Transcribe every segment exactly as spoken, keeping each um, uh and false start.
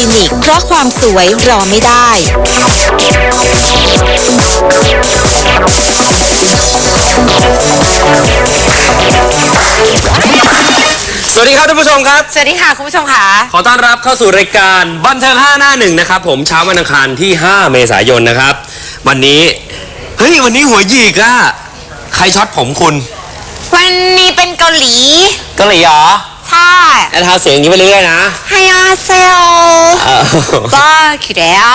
ลินิกเพราะความสวยรอไม่ได้สวัสดีครับท่านผู้ชมครับสวัสดีค่ะคุณผู้ชมค่ะขอต้อนรับเข้าสู่รายการบันเทิงห้าหน้าหนึ่งนะครับผมเช้าวันอังคารที่ห้าเมษายนนะครับวันนี้เฮ้ยวันนี้หัวหยิกอะใครช็อตผมคุณวันนี้เป็นเกาหลีเกาหลีเหรอใช่แล้วทาเสียงอย่างนี้ไปเรื่อยๆนะฮายาเซลก็คิดแล้ว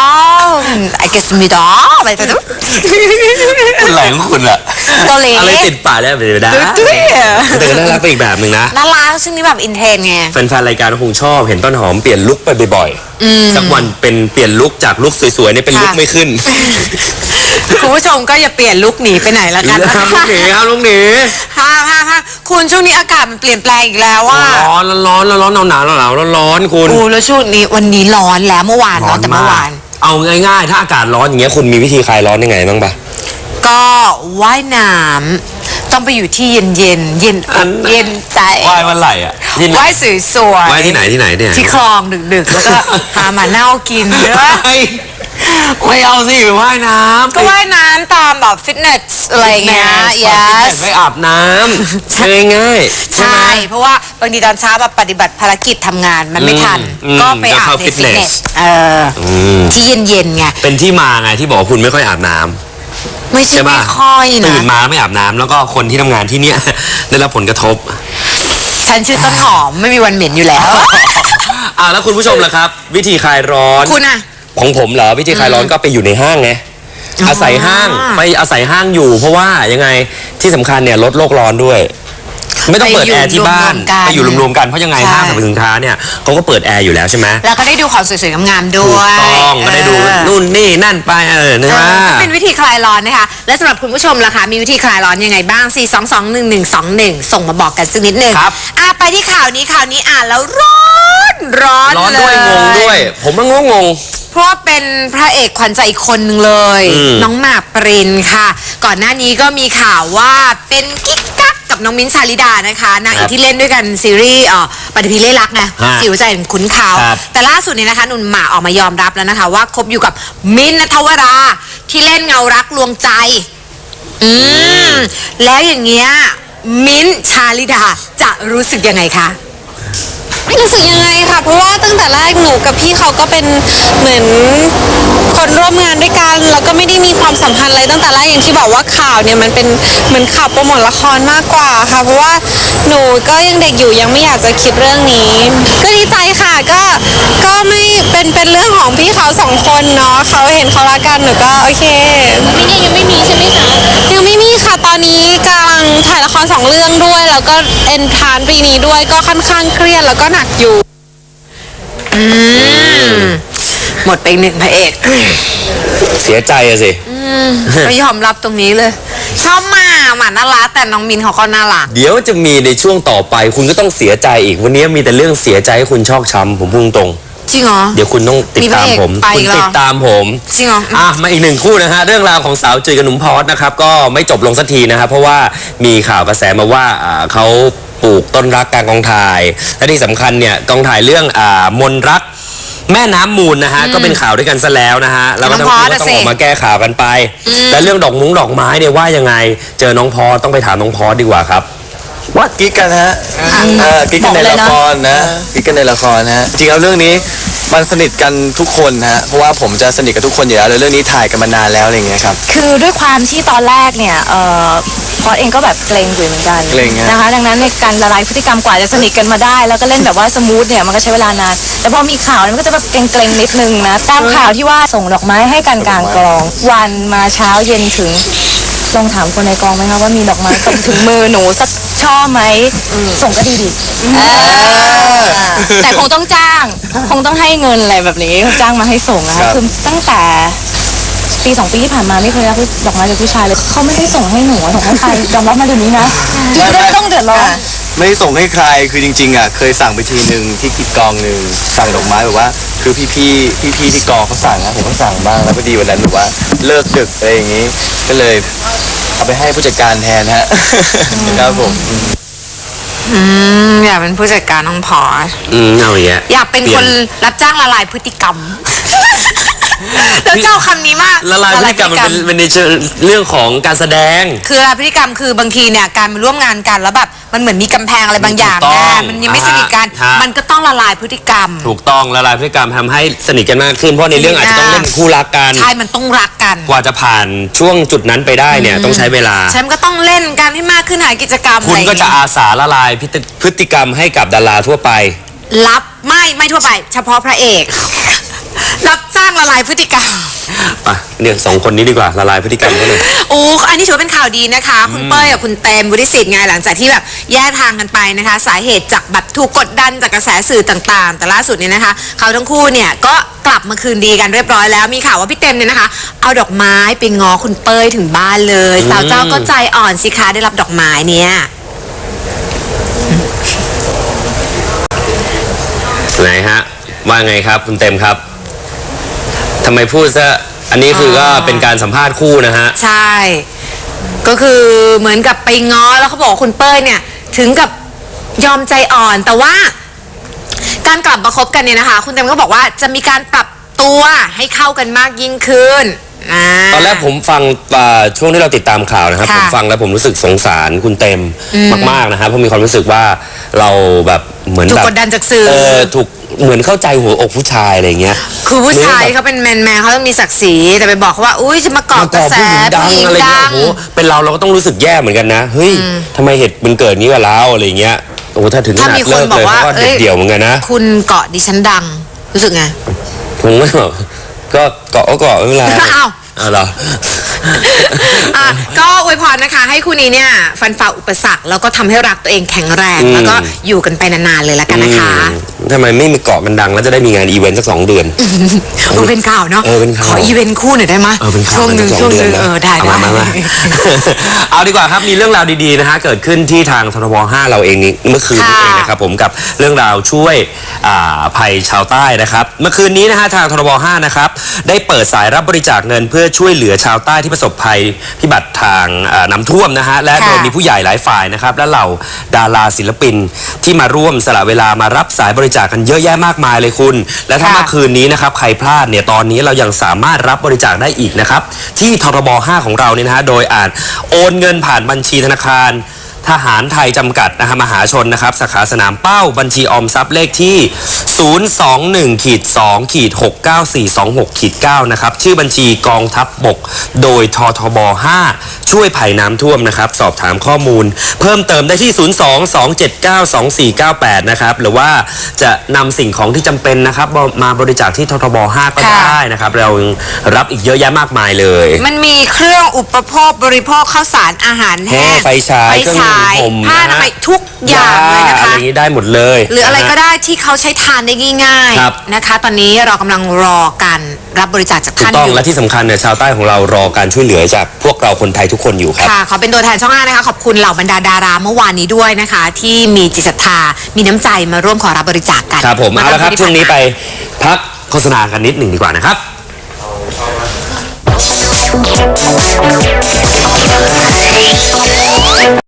알겠습니다ไปไปดูคุณไหลของคุณอะเกาหลีอะไรติดปากได้ไปได้แต่ก็น่ารักไปอีกแบบหนึ่งนะน่ารักซึ่งนี่แบบอินเทนไงแฟนๆรายการคงชอบเห็นต้นหอมเปลี่ยนลุคไปบ่อยๆสักวันเป็นเปลี่ยนลุคจากลุคสวยๆนี่เป็นลุคไม่ขึ้นคุณผู้ชมก็อย่าเปลี่ยนลุคหนีไปไหนละกันครับลุคหนีครับลุคหนีฮ่าฮ่าฮ่าคุณช่วงนี้อากาศมันเปลี่ยนแปลงอีกแล้วว่าร้อนร้อนร้อนหนาวหนาวหนาวร้อนร้อนคุณโอ้แล้วช่วงนี้วันนี้ร้อนแล้วเมื่อวานร้อนแต่เมื่อวานเอาง่ายๆถ้าอากาศร้อนอย่างเงี้ยคุณมีวิธีคลายร้อนยังไงบ้างปะก็ว่ายน้ำต้องไปอยู่ที่เย็นเย็นเย็นอกเย็นใจว่ายวันไหลอ่ะว่ายสวยๆว่ายที่ไหนที่ไหนเนี่ยที่คลองดึกๆแล้วก็หาหมาเน่ากินเยอะไม่เอาสิว่ายน้ำก็ว่ายน้ำตามแบบฟิตเนสอะไรเงี้ย yes ไปอาบน้ำใช่ง่ายใช่เพราะว่าบางทีตอนเช้าแบบปฏิบัติภารกิจทำงานมันไม่ทันก็ไปอาบในฟิตเนสเออที่เย็นๆไงเป็นที่มาไงที่บอกคุณไม่ค่อยอาบน้ำไม่ใช่ไม่ค่อยนะตื่นมาไม่อาบน้ำแล้วก็คนที่ทำงานที่เนี้ยได้รับผลกระทบฉันชื่อต้นหอมไม่มีวันเหม็นอยู่แล้วอ่าแล้วคุณผู้ชมล่ะครับวิธีคลายร้อนคุณอะของผมเหรอวิธีคลายร้อนก็ไปอยู่ในห้างไงอาศัยห้างไปอาศัยห้างอยู่เพราะว่ายังไงที่สำคัญเนี่ยลดโลกร้อนด้วยไม่ต้องเปิดแอร์ที่บ้านไปอยู่รวมๆกันเพราะยังไงห้างสรรพสินค้าเนี่ยเขาก็เปิดแอร์อยู่แล้วใช่ไหมแล้วก็ได้ดูของสวยๆงามๆด้วยถูกต้องก็ได้ดูนู่นนี่นั่นไปเออใช่ไหมเป็นวิธีคลายร้อนนะคะและสำหรับคุณผู้ชมล่ะคะมีวิธีคลายร้อนยังไงบ้างสี่ สอง สอง หนึ่ง หนึ่ง สอง หนึ่งส่งมาบอกกันสักนิดนึงครับอ่ะไปที่ข่าวนี้ข่าวนี้อ่านแล้วร้อนร้อนร้อนด้วยงงด้วยผมก็งงงเพราะว่าเป็นพระเอกขวัญใจอีกคนนึงเลยน้องหมากปรินค่ะก่อนหน้านี้ก็มีข่าวว่าเป็นกิ๊กกักกับน้องมิ้นท์ชาลิดานะคะนางเอกที่เล่นด้วยกันซีรีส์อ่อปฏิพีเล่รักไงสิวใจขุนเขาแต่ล่าสุดนี้นะคะหนุ่มหมากออกมายอมรับแล้วนะคะว่าคบอยู่กับมิ้นท์ณัฐวราที่เล่นเงารักลวงใจอืมแล้วอย่างเงี้ยมิ้นท์ชาลิดาจะรู้สึกยังไงคะรู้สึกยังไงค่ะเพราะว่าตั้งแต่แรกหนูกับพี่เขาก็เป็นเหมือนคนร่วมงานด้วยกันแล้วก็ไม่ได้มีความสัมพันธ์อะไรตั้งแต่แรกอย่างที่บอกว่าข่าวเนี่ยมันเป็นเหมือนข่าวโปรโมทละครมากกว่าค่ะเพราะว่าหนูก็ยังเด็กอยู่ยังไม่อยากจะคิดเรื่องนี้ก็ดีใจค่ะก็ก็ไม่เป็นเป็นเรื่องของพี่เขาสองคนเนาะเขาเห็นเขารักกันหนูก็โอเคมิ้นยังไม่มีใช่ไหมคะยังไม่มีค่ะตอนนี้กำลังถ่ายละครสองเรื่องด้วยแล้วก็เอ็นทรานปีนี้ด้วยก็ค่อนข้างเครียดแล้วก็หนักอยู่อืมหมดไปหนึ่งพระเอกเสียใจอะสิก็ยอมรับตรงนี้เลยชอบมาหมาน่ารักแต่น้องมินเขาก็น่ารักเดี๋ยวจะมีในช่วงต่อไปคุณก็ต้องเสียใจอีกวันนี้มีแต่เรื่องเสียใจให้คุณชอกช้ำผมพูดตรงจริงเหรอเดี๋ยวคุณต้องติดตามผมคุณติดตามผมจริงเหรออ่ะมาอีกหนึ่งคู่นะฮะเรื่องราวของสาวจุยกับหนุ่มพอสนะครับก็ไม่จบลงสักทีนะครับเพราะว่ามีข่าวกระแสมาว่าเขาปลูกต้นรักกลางกองถ่ายและที่สำคัญเนี่ยกองถ่ายเรื่องอ่ามนรักแม่น้ำมูลนะฮะก็เป็นข่าวด้วยกันซะแล้วนะฮะแล้วก็ทั้งคู่ก็ต้องออกมาแก้ข่าวกันไปและเรื่องดอกมุ้งดอกไม้เนี่ยว่ายังไงเจอน้องพอสต้องไปถามน้องพอสดีกว่าครับว่ากิ๊กกันฮะกิ๊กกันในละครนะกิ๊กกันในละครฮะจริงๆแล้วเรื่องนี้มันสนิทกันทุกคนฮะเพราะว่าผมจะสนิทกับทุกคนอยู่แล้วเรื่องนี้ถ่ายกันมานานแล้วอะไรอย่างเงี้ยครับคือด้วยความที่ตอนแรกเนี่ยเอ่อพอสเองก็แบบเกรงอยู่เหมือนกันเกรงนะคะดังนั้นในการละลายพฤติกรรมกว่าจะสนิทกันมาได้แล้วก็เล่นแบบว่าสมูทเนี่ยมันก็ใช้เวลานานแต่พอมีข่าวมันก็จะแบบเกรงๆนิดนึงนะตามข่าวที่ว่าส่งดอกไม้ให้กันกลางกองวันมาเช้าเย็นถึงลองถามคนในกองไหมคะว่ามีดอกไม้ตรงถึงมือหนูสักช่อไหมส่งก็ดีดิแต่คงต้องจ้างคงต้องให้เงินอะไรแบบนี้จ้างมาให้ส่งนะคะคือตั้งแต่ปีสองปีที่ผ่านมาไม่เคยรับดอกไม้จากผู้ชายเลยเขาไม่ได้ส่งให้หนูส่งให้ใครยอมรับมาเดี๋ยวนี้นะจะได้ต้องเดือดร้อนไม่ได้ส่งให้ใครคือจริงๆอ่ะเคยสั่งไปทีหนึ่งที่กิจกองหนึ่งสั่งดอกไม้แบบว่าคือพี่ๆพี่ๆที่กองเขาสั่งนะผมก็สั่งบ้างแล้วพอดีวันนั้นแบบว่าเลิกดึกอะไรอย่างงี้ก็เลยเอาไปให้ผู้จัดการแทนฮะครับผมอืมอยากเป็นผู้จัดการน้องพอสอืมเอาอย่างเงี้ยอยากเป็นคนรับจ้างละลายพฤติกรรม แล้วเจ้าคำนี้มากละลายพฤติกรรมมันเป็นเป็นในเชิงเรื่องของการแสดงคือละลายพฤติกรรมคือบางทีเนี่ยการมาร่วมงานกันแล้วแบบมันเหมือนมีกำแพงอะไรบางอย่างถูกต้องนะมันยังไม่สนิทกันฮะมันก็ต้องละลายพฤติกรรมถูกต้องละลายพฤติกรรมทำให้สนิทกันมากขึ้นเพราะในเรื่องอาจจะต้องเล่นคู่รักกันใช่มันต้องรักกันกว่าจะผ่านช่วงจุดนั้นไปได้เนี่ยต้องใช้เวลาฉันก็ต้องเล่นกันให้มากขึ้นหากิจกรรมคุณก็จะอไรอย่างเงี้ยอาสาละลายพฤติพฤติกรรมให้กับดาราทั่วไปรับไม่ไม่ทั่วไป เฉพาะพระเอก รับจ้างละลายพฤติกรรมอ่ะเนี่ยสองคนนี้ดีกว่าละลายพฤติกรรมเขาหน่อยโอ้อันนี้ถือว่าเป็นข่าวดีนะคะ คุณเป้ยกับคุณเต็มวุฒิสิทธิ์ไงหลังจากที่แบบแยกทางกันไปนะคะ สาเหตุจากแบบถูกกดดันจากกระแสสื่อต่างๆ แต่ล่าสุดเนี่ยนะคะ เขาทั้งคู่เนี่ยก็กลับมาคืนดีกันเรียบร้อยแล้วมีข่าวว่าพี่เต็มเนี่ยนะคะ เอาดอกไม้ไปง้อคุณเป้ยถึงบ้านเลย สาวเจ้าก็ใจอ่อนสิคะได้รับดอกไม้เนี่ยไหนฮะว่าไงครับคุณเต็มครับทำไมพูดซะอันนี้คือก็เป็นการสัมภาษณ์คู่นะฮะใช่ ก็คือเหมือนกับไปง้อแล้วเขาบอกว่าคุณเป้ยเนี่ยถึงกับยอมใจอ่อน แต่ว่าการกลับมาคบกันเนี่ยนะคะ คุณเต็มก็บอกว่าจะมีการปรับตัวให้เข้ากันมากยิ่งขึ้นอ่าตอนแรกผมฟังอ่าช่วงที่เราติดตามข่าวนะครับค่ะผมฟังแล้วผมรู้สึกสงสารคุณเต็มมากๆนะครับเพราะมีความรู้สึกว่าเราแบบเหมือนถูกแบบกดดันจากสื่อเออถูกเหมือนเข้าใจหัวอกผู้ชายอะไรอย่างเงี้ยคือผู้ชายหรือแบบเขาเป็นแมนแมนเขาต้องมีศักดิ์ศรีแต่ไปบอกเขาว่าอุ้ยจะมาเกาะมากระก่อแสผู้หญิงดังผู้หญิงอะไรเงี้ดัยงโอ้โหเป็นเราเราก็ต้องรู้สึกแย่เหมือนกันนะเฮ้ยทำไมเหตุมันเกิดนี้กับเราอะไรเงี้ยโอ้โหถ้าถึงขถ้านาดมีคเลินกบอเลกยว่าเขาก็เด็ดเดี่ยวเหมือนกันนะคุณเกาะดิฉันดังรู้สึกไงผมก็แบบก็เกาะก็เกาะไม่เป็นไรอ้าวอ้าวเหรออ่ะก็อวยพรนะคะ ให้คู่นี้เนี่ยฟันฝ่าอุปสรรคแล้วก็ทำให้รักตัวเองแข็งแรงอืมแล้วก็อยู่กันไปนานๆเลยละกันนะคะอืมทำไมไม่มีเกาะกันดังแล้วจะได้มีงานอีเวนต์สักสองเดือนเออเป็นข่าวเนาะเออเป็นข่าวขออีเวนต์คู่หน่อยได้ไหมเออเป็นข่าวช่วงหนึ่งสักช่วงหนึ่งดืะเออได้าได้มามามา เอาดีกว่าครับมีเรื่องราวดีๆนะฮะเกิดขึ้นที่ทางทรบห้าเราเองนี้เมื่อคืนนี้ค่ะเองนะครับผมกับเรื่องราวช่วยอ่าภัยชาวใต้นะครับเมื่อคืนนี้นะฮะทางทรบห้านะครับได้เปิดสายรับบริจาคเงินเพื่อช่วยเหลือชาวใต้ที่ประสบภัยพิบัติทางอ่าน้ำท่วมนะฮะและโดยมีผู้ใหญ่หลายฝ่ายนะครับและเหล่าดาราศิลปินที่มาร่วมสละเวลามารับสายบริจาคกันเยอะแยะมากมายเลยคุณ และถ้าค่ะเมื่อคืนนี้นะครับใครพลาดเนี่ยตอนนี้เรายังสามารถรับบริจาคได้อีกนะครับที่ทรบห้าของเราเนี่ยนะฮะโดยอาจโอนเงินผ่านบัญชีธนาคารทหารไทยจำกัดนะฮะมหาชนนะครับสาขาสนามเป้าบัญชีออมทรัพย์เลขที่ ศูนย์ สอง หนึ่ง สอง หก เก้า สี่ สอง หก เก้า นะครับชื่อบัญชีกองทัพบกโดยททบห้าช่วยภัยน้ำท่วมนะครับสอบถามข้อมูล เพิ่มเติมได้ที่ ศูนย์ สอง สอง เจ็ด เก้า สอง สี่ เก้า แปด นะครับหรือว่าจะนำสิ่งของที่จำเป็นนะครับมาบริจาคที่ททบห้าก็ค่ะได้นะครับเรายังรับอีกเยอะแยะมากมายเลยมันมีเครื่องอุปโภคบริโภคข้าวสารอาหารแห้แห้งไฟฉายไฟเครื่องฉายนุ่มผมผ้าอนามัยทุกอย่างเลยนะอะไรคะอย่างนี้ได้หมดเลยหรืออะไรก็นฮได้ที่เขาใช้ทานได้ง่ายครับๆนะคะ ตอนนี้เรากำลังรอการรับบริจาคจากถูกท่านต้ออง ยู่และที่สำคัญเนี่ยชาวใต้ของเรารอการช่วยเหลือจากพวกเราคนไทยทุกคนอยู่ครับค่ะขอเป็นตัวแทนช่องห้านะคะ ขอบคุณเหล่าบรรดาดาราเมื่อวานนี้ด้วยนะคะ ที่มีจิตศรัทธา มีน้ำใจมาร่วมขอรับบริจาคกันครับผมเอาละครับมื่ช่วงนี้ที่ไปผ่ามาพักโฆษณากันนิดหนึ่งดีกว่านะครับ